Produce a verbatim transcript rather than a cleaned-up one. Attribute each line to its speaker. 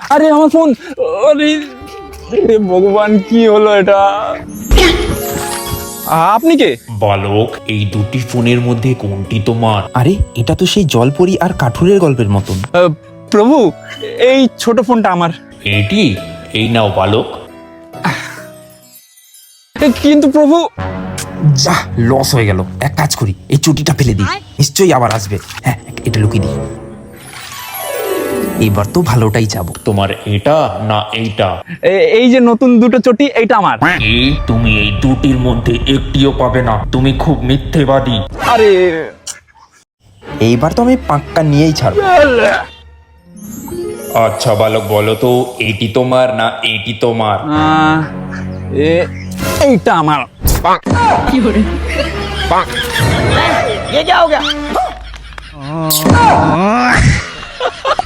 Speaker 1: আরে আমার ফোন, আরে আরে ভগবান কি হলো এটা? আপনি কে?
Speaker 2: বালক, এই দুটি ফোনের মধ্যে কোনটি তোমার?
Speaker 3: আরে এটা তো সেই জলপরি আর কাঠুরের গল্পের মতন।
Speaker 1: আহ, প্রভু, এই ছোট ফোনটা আমার।
Speaker 2: এটি? এই নাও বালক।
Speaker 1: এ, কিন্তু প্রভু।
Speaker 3: যা, লস হয়ে গেল। এক কাজ করি, এই চুটিটা ফেলে দিই, নিশ্চয়ই আবার আসবে। হ্যাঁ, এটা লুকিয়ে দিই। এবার তো ভালোটাই যাবো।
Speaker 2: তোমার এটা না এইটা?
Speaker 1: এ- এই যে নতুন দুটো চটি, এইটা আমার।
Speaker 2: এই, তুমি এই দুটির মধ্যে একটিও পাবে না। তুমি খুব মিথ্যেবাদী।
Speaker 1: আরে
Speaker 3: এইবার তো আমি পাক্কা নিয়েই ছাড়বো।
Speaker 2: আচ্ছা বালক, বলো তো এটি তোমার না এটি তোমার?
Speaker 1: আহ, এ- এইটা আমার।
Speaker 4: ये क्या हो गया?